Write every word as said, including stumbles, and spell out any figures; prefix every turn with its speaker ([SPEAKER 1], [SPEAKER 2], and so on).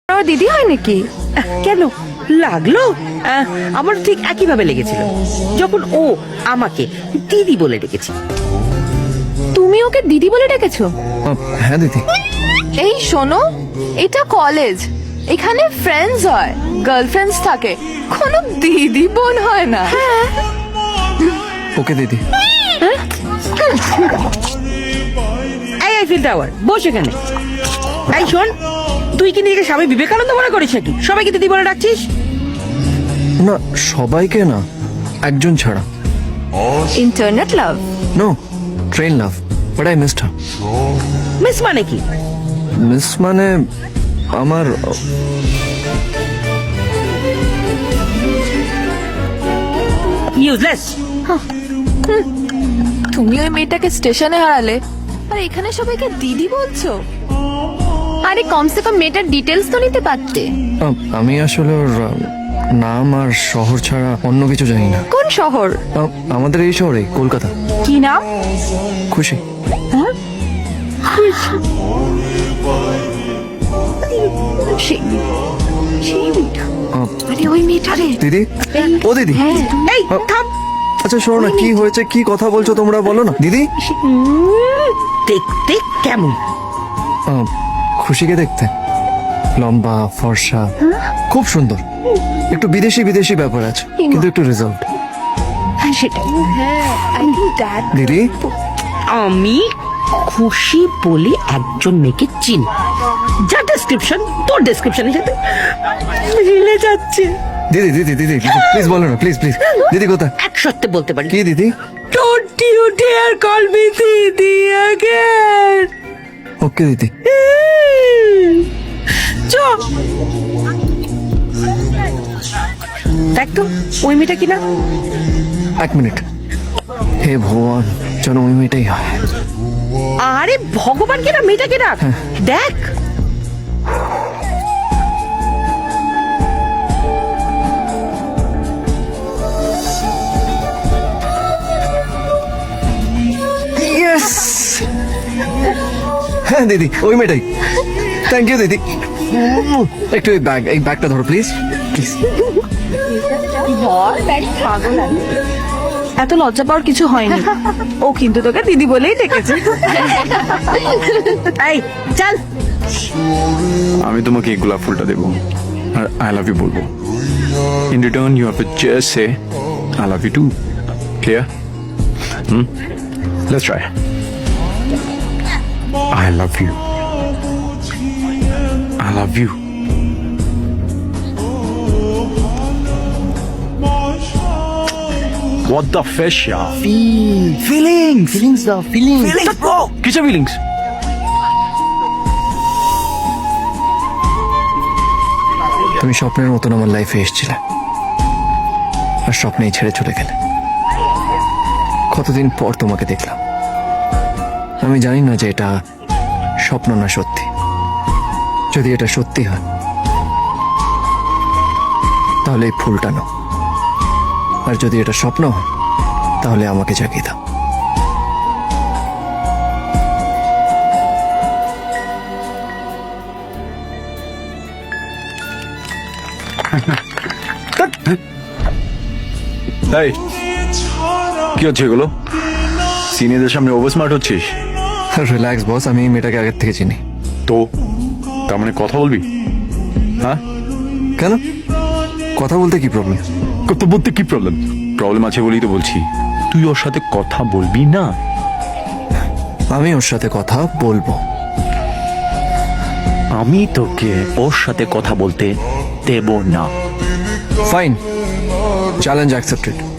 [SPEAKER 1] আমার দিদি হয় নাকি?
[SPEAKER 2] কেন লাগলো? আহ, আমার ঠিক একই ভাবে লেগেছিল যখন ও আমাকে দিদি বলে ডেকেছে।
[SPEAKER 1] তুমি ওকে দিদি বলে ডেকেছো?
[SPEAKER 3] আহ, হ্যাঁ দিদি।
[SPEAKER 1] এই শোনো, এটা কলেজ, এখানে ফ্রেন্ডস হয়, গার্লফ্রেন্ডস থাকে, কোনো দিদি বোন হয় না।
[SPEAKER 3] ওকে দিদি।
[SPEAKER 2] এই আইফিল টাওয়ার বস এখানে। এই শোন, তুই কি নিজেকে স্বামী বিবেকানন্দ মনে করিস নাকি সবাইকে দিদি বলে ডাকছিস?
[SPEAKER 3] না, সবাইকে না, একজন ছাড়া।
[SPEAKER 1] Internet love?
[SPEAKER 3] No, train love, but I missed her.
[SPEAKER 2] Miss মানে কি?
[SPEAKER 3] মিস মানে আমার
[SPEAKER 2] ইউজলেস।
[SPEAKER 1] তুমি ওই মেয়েটাকে স্টেশনে হারালে আর এখানে সবাইকে দিদি বলছো? আরে কমসে কম মেয়েটার ডিটেলস তো নিতে পারতে।
[SPEAKER 3] আহ, আমি আসলে ওর আহ, নাম আর শহর ছাড়া অন্য কিছু জানি না।
[SPEAKER 1] কোন শহর?
[SPEAKER 3] আহ, আমাদের এই শহরে, কলকাতা।
[SPEAKER 1] কি নাম?
[SPEAKER 3] খুশি।
[SPEAKER 1] সেই সেই মেয়েটা।
[SPEAKER 3] আহ,
[SPEAKER 1] আরে ওই মেয়েটা রে।
[SPEAKER 3] দিদি, ও দিদি।
[SPEAKER 1] হ্যাঁ।
[SPEAKER 2] এই থাম।
[SPEAKER 3] আচ্ছা শোনো না, কি হয়েছে, কি কথা বলছো তোমরা, বলো না দিদি।
[SPEAKER 2] দেখতে কেমন?
[SPEAKER 3] আহ, খুশিকে দেখতে লম্বা, ফর্সা, খুব সুন্দর, একটু বিদেশি বিদেশি ব্যাপার আছে, কিন্তু একটু রেজাল্ট।
[SPEAKER 1] হ্যাঁ সেটাই। হ্যাঁ, আই থিংক দ্যাট।
[SPEAKER 3] দিদি,
[SPEAKER 2] আমি খুশি বলে একজন মেয়েকে চিনি, যা ডেসক্রিপশন তোর ডেসক্রিপশনের সাথে মিলে যাচ্ছে।
[SPEAKER 3] দিদি দিদি দিদি প্লিজ বলো না, প্লিজ প্লিজ। দিদি কোথায়?
[SPEAKER 2] এক সত্যি বলতে পারি।
[SPEAKER 3] কি দিদি?
[SPEAKER 2] Don't you dare call me দিদি again.
[SPEAKER 3] ওকে দিদি।
[SPEAKER 2] চ দেখ তো ওই মেয়েটা কিনা।
[SPEAKER 3] এক মিনিট, হে ভগবান, যেন ওই মেয়েটাই হয়।
[SPEAKER 2] আরে ভগবান কিনা, মেয়েটা কিনা দেখ।
[SPEAKER 3] ইয়েস, হ্যাঁ দিদি, ওই মেয়েটাই। থ্যাংক ইউ দিদি। একটু এই ব্যাগ, এই ব্যাগটা ধরো প্লিজ প্লিজ।
[SPEAKER 1] এত লজ্জা পাওয়ার কিছু হয়নি, ও কিন্তু তোকে দিদি বলেই ডেকেছে।
[SPEAKER 2] এই চল।
[SPEAKER 4] আমি তোমাকে এই গোলাপ ফুলটা দেবো আর আই লাভ ইউ বলবো। In return you have to just say I love you two. Clear? Hmm, let's try. I love you, I love you. What the fish, yeah?
[SPEAKER 3] Feelings feelings দাও, ফিলিংস।
[SPEAKER 4] Feelings, bro. কিসের feelings?
[SPEAKER 3] তুমি স্বপ্নের মতন আমার লাইফে এসেছিলে আর স্বপ্নেই ছেড়ে চলে গেলে। কতদিন পর তোমাকে দেখলাম। আমি জানি না যে এটা স্বপ্ন না সত্যি। যদি এটা সত্যি হয় তাহলে এই ফুলটা নাও, আর যদি এটা স্বপ্ন হয় তাহলে আমাকে জাগিয়ে দাও।
[SPEAKER 4] এই, কি হচ্ছে এগুলো? সিনিয়রদের সামনে ওভার স্মার্ট হচ্ছিস
[SPEAKER 3] রিল্যাক্স বস, আমি এই মেয়েটাকে আগের থেকে চিনি।
[SPEAKER 4] তো? তার মানে কথা বলবি? হ্যাঁ,
[SPEAKER 3] কেন, কথা বলতে কি প্রবলেম?
[SPEAKER 4] কথা বলতে কি প্রবলেম? প্রবলেম আছে বলেই তো বলছি, তুই ওর সাথে কথা বলবি না?
[SPEAKER 3] আমি ওর সাথে কথা বলবো।
[SPEAKER 5] আমি তোকে ওর সাথে কথা বলতে দেব না।
[SPEAKER 3] Fine, challenge accepted.